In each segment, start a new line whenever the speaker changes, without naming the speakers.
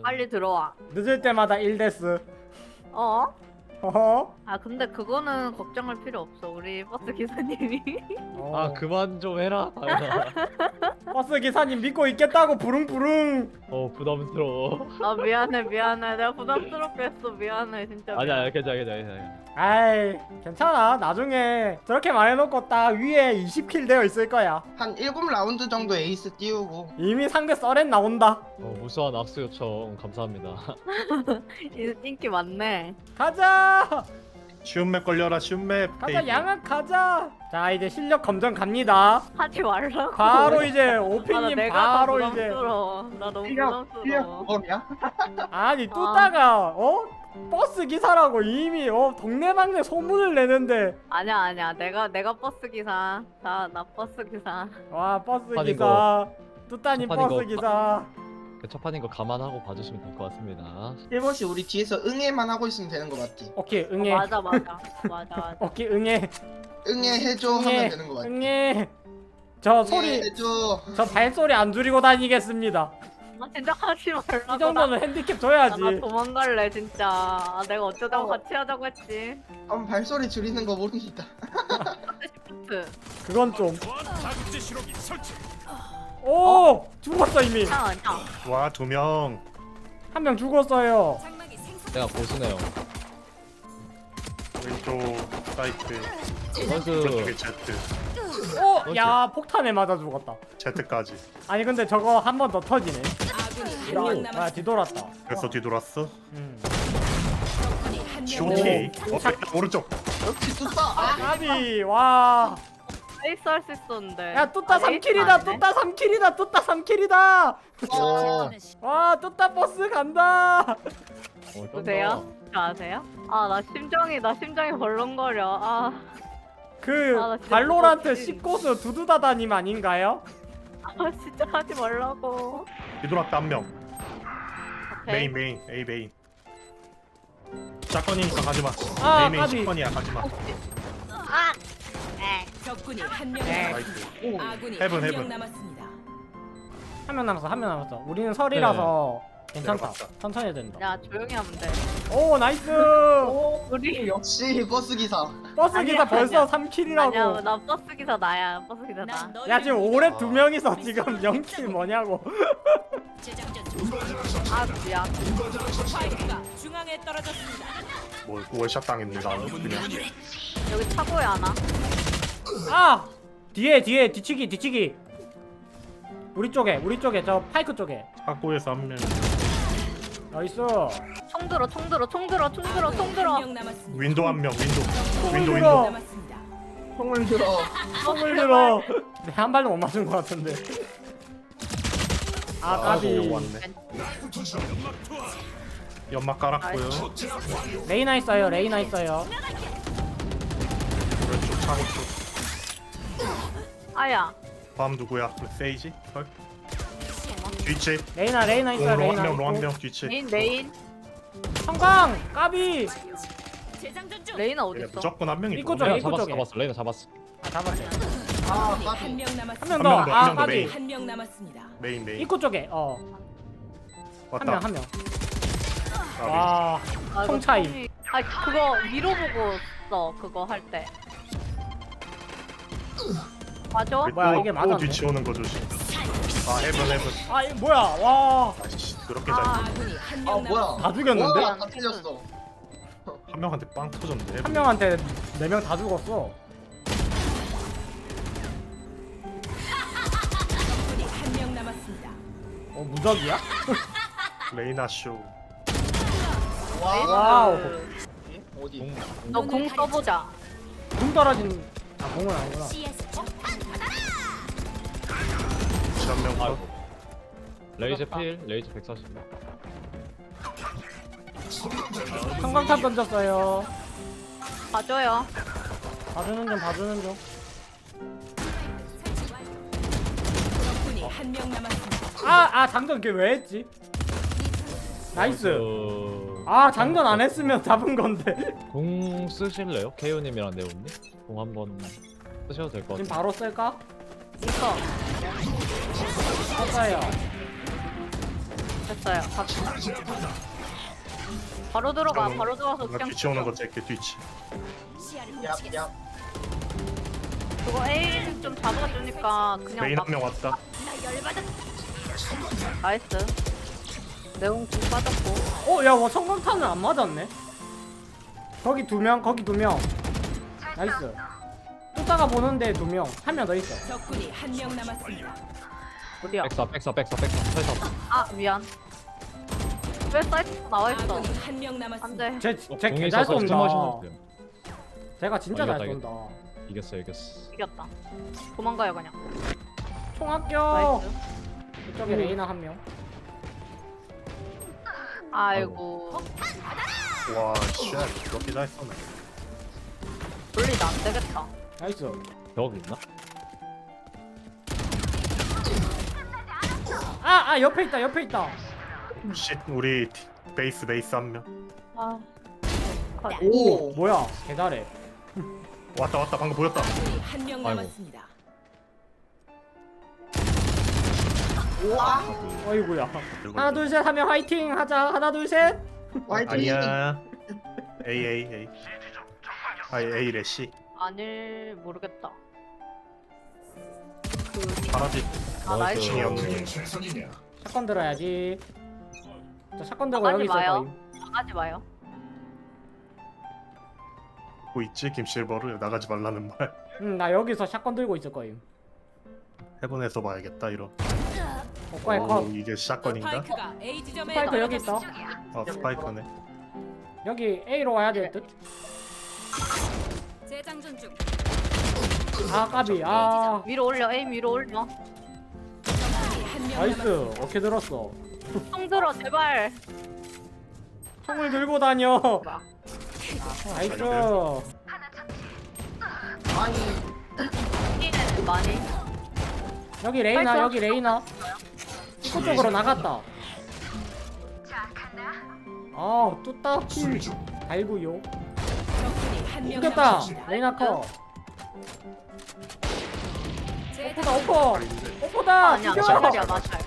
빨리 들어와.
늦을 때마다 1데스.
어?
어허.
아 근데 그거는 걱정할 필요 없어. 우리 버스 기사님이.
아 그만 좀 해라 다현아.
버스 기사님 믿고 있겠다고 부릉부릉.
부담스러워.
아 미안해 미안해. 내가 부담스럽게 했어. 미안해 진짜.
아니야 괜찮아.
아이 괜찮아. 나중에 저렇게 말해놓고 딱 위에 20킬 되어 있을 거야.
한 7라운드 정도 에이스 띄우고
이미 상대 썰엔 나온다.
무수한 악수 요청 감사합니다.
인기 많네.
가자.
쉬운 맵 걸려라 쉬운 맵.
가자
헤이.
양악 가자. 자 이제 실력 검정 갑니다.
하지 말라고.
바로 이제
아, 나
오피님
내가
바로
더
이제
부담스러워. 나 너무
실력
부담스러워.
그거냐?
아니 뚜따가 버스 기사라고 이미 동네방네 소문을 내는데
아니야. 내가 버스 기사. 나 버스 기사.
와 버스
아니,
기사 뚜따님
아니,
버스
이거
기사.
그 첫판인 거 감안하고 봐주시면 될 것 같습니다.
1번씩 우리 뒤에서 응애만 하고 있으면 되는 거 맞지?
오케이 응애.
맞아.
오케이 응애.
응애 해줘 하면 되는 거 맞지?
응애. 저
응애
소리
해줘.
저 발소리 안 줄이고 다니겠습니다.
아 진짜 하지 말라고.
이 정도는 핸디캡
나
줘야지.
도망갈래 진짜. 아, 내가 어쩌다가 같이 하자고 했지.
발소리 줄이는 거 모릅니다.
시프트.
그건 좀. 오 죽었어 이미.
아니야.
와 2명.
한 명 죽었어요.
내가 고수네요.
왼쪽 사이트.
선수
저쪽에 Z.
야 폭탄에 맞아 죽었다.
Z까지.
아니 근데 저거 한 번 더 터지네.
아군이 한명
아
남았습니다.
뒤돌았다.
그래서 뒤돌았어.
적군이 한명
쇼티. 오른쪽.
역시 뚜따.
까비 와.
에이스 할 수 있었는데.
야 뚜따
아, 에이스
3킬이다.
아니네?
뚜따 3킬이다. 뚜따 3킬이다.
오.
와 뚜따 버스 간다.
보세요. 저 아세요? 아 나 심장이 벌렁거려. 아
그
아, 나 진짜
발로란트
무섭지.
10고수 두두다다님 아닌가요?
진짜 하지 말라고.
뒤돌았다 한 명.
오케이.
메인 A 메인. 샷건이니까 가지마.
아,
A 메인
까비.
샷건이야 가지마.
아. 에.
적군이 한명
네.
남았습니다. 아군이
헤븐,
한명
헤븐.
남았습니다.
한 명 남았어. 우리는 설이라서 괜찮다.
내려갔다.
천천히 해도 된다.
야 조용히 하면 돼.
오 나이스.
우리
역시 버스 기사.
버스
아니야,
기사 벌써
아니야.
3킬이라고.
아니야 나 버스 기사 나야. 버스 기사 나.
야 지금 올해 2명이서 지금 0킬 뭐냐고.
아 미안.
스파이크가 중앙에 떨어졌습니다.
뭐 월샷 당했네 나는 그냥.
여기 차고에 하나.
아 뒤에 뒤치기. 우리 쪽에 저 파이크 쪽에.
학교에서 한 명.
나이스.
총 들어.
한명 남았습니다.
윈도 한 명. 윈도
들어.
윈도.
남았습니다.
총을 들어.
손을 들어. 네, 한 발도 못 맞은 것 같은데. 아 까비.
요거 왔네. 연막 깔았고요.
레이나 있어요.
오른쪽 창호 쪽.
아야.
다음 누구야? 세이지? 헐? 뒤치.
레이나 있어요.
롱
레이나.
한 명, 롱 한
있고.
명 뒤치.
메인.
성광 까비.
재장전 중.
레이나
얘네
어딨어?
무조건 한 명이.
입구
누구야?
쪽에.
레이나
입구 쪽에.
레이나 잡았어.
아 잡았네.
아,
적군이
까비.
한명
한
남았습니다.
명
한
더.
명 더,
아
한명 더,
까비.
메인.
한명 남았습니다.
메인.
입구 쪽에.
왔다.
한 명.
까비.
와.
아, 이거
총 차이.
총이- 아 그거 위로 보고 써. 그거 할 때. 맞아?
우리
뭐야,
또-
이게
또
맞았네.
뒤치오는 거 조심. 아 헤븐.
아 이거 뭐야? 와.
아이씨 그렇게
아.
잘.
아군이
아
한명
뭐야?
남았습니다.
다 죽였는데?
와, 다 틀렸어.
한 명한테 빵 터졌네.
한
헤븐.
명한테 4명 다 죽었어.
적군이 한명 남았습니다.
무적이야?
레이나 쇼.
와우.
어디?
너공 써보자.
궁 떨어진. 아 공은 아니구나.
한명 더.
아이고. 레이저 필, 레이저 140.
성광탄 던졌어요.
봐줘요.
봐주는 중.
적군이 한명 남았습니다.
아 장전 걔 왜 했지? 나이스. 아 장전 안 했으면 잡은 건데.
공 쓰실래요? 케이오님이랑 네오님? 공 한번 쓰셔도 될 것
지금
같아요.
바로 쓸까?
있어.
썼어요.
됐어요. 바로 들어가. 바로 들어가서
나
그냥
뒤치 오는 거 찰게 뒤치.
얍얍.
그거 에임 좀 잡아주니까 그냥
메인
막
한 명 왔다.
나이스. 내용 좀 빠졌고.
어, 야, 뭐 성광탄은 안 맞았네. 거기 2명, 거기 2명. 나이스. 쫓다가 보는데 2명. 한 명 더 있어.
적군이 한 명 남았습니다.
어디야?
백사 설사.
아 미안. 왜 사이트 나와 있어?
아군이 한 명 남았습니다.
안돼.
쟤
공이
개잘
있어서
쏜다.
스마시는
제가 진짜
어,
잘
이겼다,
쏜다.
이겼어.
이겼다. 도망가요 그냥.
총합격.
나이스.
이쪽에 레이나 한 명.
아이고.
와, 쉣. 이렇게 잘 쏘네.
돌리다 안 되겠다.
나이스.
벽 있나?
아, 옆에 있다, 옆에 있다.
쉣, 우리 베이스 한 명.
아.
오.
뭐야? 개잘해.
왔다 방금 보였다.
아군이 한 명
아이고.
남았습니다.
우와.
어이구야. 하나 둘 셋 하면 화이팅 하자. 하나 둘 셋.
화이팅.
아니야. A. A래 C.
아닐 모르겠다.
바라지.
아 나이스.
층이 없네.
샷건 들어야지. 저 샷건 들고
나가지
여기 있을
마요.
거임.
나가지 마요.
뭐 있지? 김실버를 나가지 말라는 말.
나 여기서 샷건 들고 있을 거임.
해본에서 봐야겠다 이런.
오빠의 컷.
이게 샷건인가?
스파이크가 A 지점에
스파이크 여기 있다.
스파이크네.
여기 A로 와야 될 듯.
재장전 중.
아 까비. 아
위로 올려. 에임 위로 올려.
적군이 한 명
나이스.
남았습니다.
어떻게 들었어?
총 들어 제발.
총을 들고 다녀.
봐.
나이스.
아니.
B는 많이.
여기 레이나
파이터.
여기 레이나. 입구 쪽으로 나갔다. 아 뚜따 킬. 아이고요.
적군이 한 명
이겼다.
남았습니다.
레이나 컷.
재장전
오퍼다 오퍼. 오퍼다.
아니야
죽여.
마샬이야 마샬.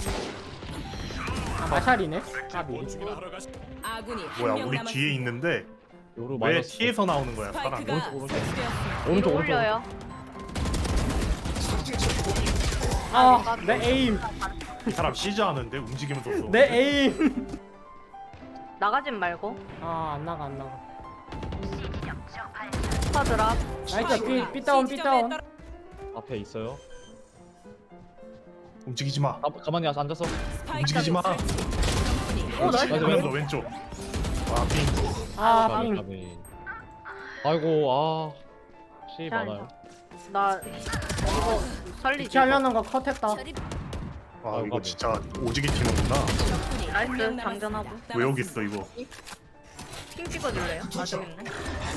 아, 마샬이네. 까비.
아군이 한
뭐야
명
우리
남았습니다.
뒤에 있는데
요로
왜
마이너스.
T에서 나오는 거야 사람?
스파이크가 설치되었습니다.
위로 올려요.
아 내 에임.
이 사람 시즈 하는데 움직이면서 쏘.
내 에임.
나가진 말고.
아 안 나가 안 나가.
스파드랍.
나이스 삐 다운 삐 다운.
앞에 있어요.
움직이지 마.
가만히 앉아서.
움직이지 마.
오 나이스.
맞아 왼쪽. 와 빙.
아 빙.
가비. 아이고 C
잘.
많아요.
나 이거 살리지.
피하려는 거 컷했다.
와 이거 진짜 오지게 튀는구나.
나이스 장전하고.
왜 여기 있어 이거?
핑 찍어줄래요? 아 저기 있네.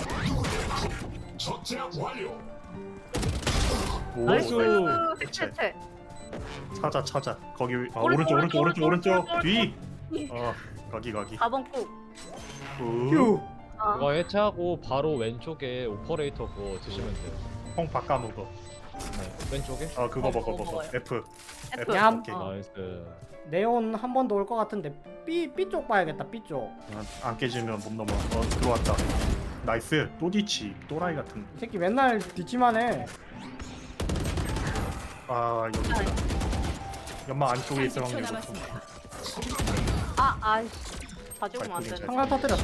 오
나이스.
대체.
해체.
찾아. 거기
오른쪽,
오른쪽 뒤. 거기.
4번 꾹.
휴.
아,
그거 해체하고 바로 왼쪽에 오퍼레이터 그거 드시면 돼요.
콩 바꿔먹어.
네, 왼쪽에.
그거
어,
먹어.
먹어요.
F.
F.
얌.
오케이.
어.
나이스.
네온 한 번 더 올 것 같은데 B 쪽 봐야겠다. B 쪽.
안 깨지면 못 넘어. 들어왔다. 나이스. 또 뒤치. 또라이 같은.
이 새끼 맨날 뒤치만 해.
여기. 연마 안쪽에 있을
30초
확률 높아.
남았습니다.
아이씨. 다 죽으면 안 되네.
한강 터뜨렸어.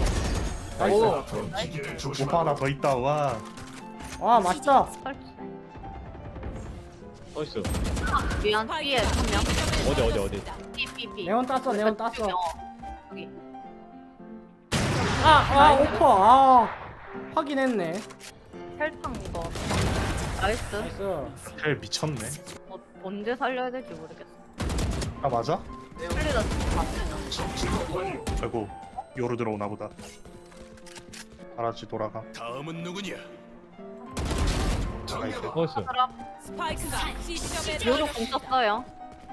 나이스.
오빠 하나 더 있다. 와.
와 맛있다.
설치.
나이스.
미안. B에 한 명.
어디?
B.
네온 땄어. 네온 땄어.
여기.
오퍼. 확인했네.
헬탕 이거. 나이스.
나이스.
헬 미쳤네.
언제 살려야 될지 모르겠어.
맞아?
살리다 죽으면
아이고 요로 들어오나 보다. 알았지 돌아가.
다음은 누구냐?
나이스.
나이스.
스파이크가 C 지점에
요로 공 썼어요.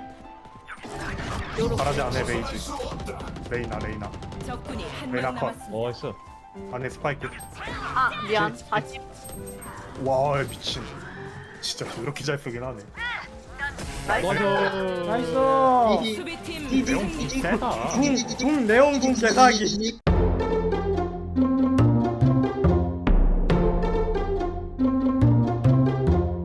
바라지 안에 베이지. 레이나.
적군이 한
레나
명
컷.
남았습니다.
나이스.
안에 스파이크.
미안. 40.
와 미친. 진짜 그렇게 잘 쓰긴 하네.
나이스.
맞아.
나이스.
수비팀
내용
승리.
세다.
궁 네온궁 개사기.